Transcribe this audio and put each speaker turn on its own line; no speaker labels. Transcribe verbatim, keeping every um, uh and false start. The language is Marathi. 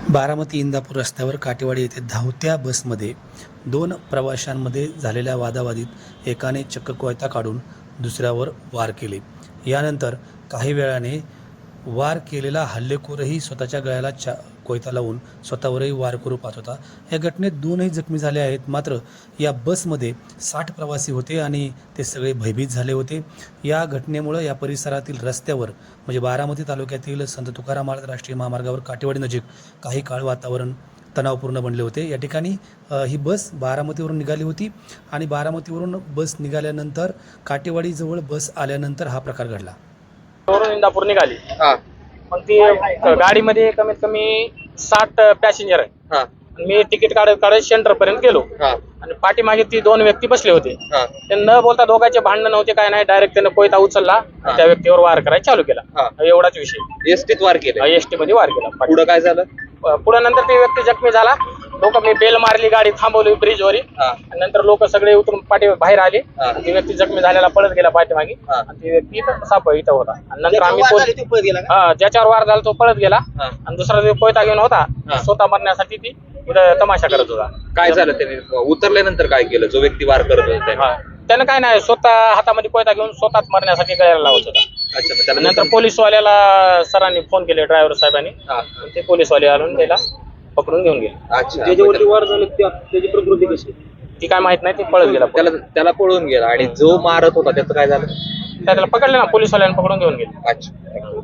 बारामती इंदापूर रस्त्यावर काटेवाडी येथे धावत्या बसमध्ये दोन प्रवाशांमध्ये झालेल्या वादावादीत एकाने चक्क कोयता काढून दुसऱ्यावर वार केले. यानंतर काही वेळाने वार केलेला हल्लेखोरही स्वतःच्या गळ्याला चा कोयता लावून स्वतःवरही वार करू पाहत होता. या घटनेत दोनही जखमी झाले आहेत. मात्र या बसमध्ये साठ प्रवासी होते आणि ते सगळे भयभीत झाले होते. या घटनेमुळं या परिसरातील रस्त्यावर म्हणजे बारामती तालुक्यातील संत तुकाराम महाराज राष्ट्रीय महामार्गावर काटेवाडी नजीक काही काळ वातावरण तणावपूर्ण बनले होते. या ठिकाणी अ, ही बस बारामतीवरून निघाली होती आणि बारामतीवरून बस निघाल्यानंतर काटेवाडीजवळ बस आल्यानंतर हा प्रकार घडला.
वरून इंदापूर निघाली.
हा
मग ती गाडीमध्ये कमीत कमी साठ पॅसेंजर आहे.
हा
मी तिकीट काढत काढत सेंटर पर्यंत गेलो
हा
आणि पाठीमागे ती दोन व्यक्ती बसले होते.
हा
ते न बोलता दोघांचे भांडण नव्हते, काय नाही, डायरेक्ट त्यानं कोयता उचलला आणि त्या व्यक्तीवर वार करायला चालू केला.
हा.
एवढाच विषय.
एसटीत वार केले.
एसटी मध्ये वार केला.
पुढं काय झालं?
पुढे नंतर ती व्यक्ती जखमी झाला. लोक मी बेल मारली, गाडी थांबवली ब्रिजवर.
हा
नंतर लोक सगळे उतरून पाठी बाहेर आले.
हा.
ती व्यक्ती जखमी झालेला पळत गेला पाठीमागे
हा.
आणि ती व्यक्ती इथं साप इथं होता. आणि नंतर आम्ही पोलीस- हा ज्याच्यावर वार झाला तो पळत गेला
हा.
आणि दुसरा जो कोयता घेऊन होता
हा.
स्वतः मरण्यासाठी ती इथं तमाशा करत होता.
काय झालं त्याने उतरल्यानंतर काय केलं? जो व्यक्ती वार करत होता त्याने?
हा. त्यानं काय नाही, स्वतः हातामध्ये कोयता घेऊन स्वतःच मरण्यासाठी गळ्याला लावत होता.
अच्छा, मग त्याला
नंतर पोलीसवाल्याला सरांनी फोन केले, ड्रायव्हर साहेबांनी.
हा.
ते पोलीसवाले आणून त्याला पकडून घेऊन गेले.
अच्छा,
ज्याच्यावरती वार झाले त्याची प्रकृती कशी?
ती काय माहित नाही, ती पळत गेला.
त्याला त्याला पळून गेला. आणि जो मारत होता त्याचं काय झालं?
त्याला पकडले ना, पोलीसवाल्याने पकडून घेऊन गेले.
अच्छा.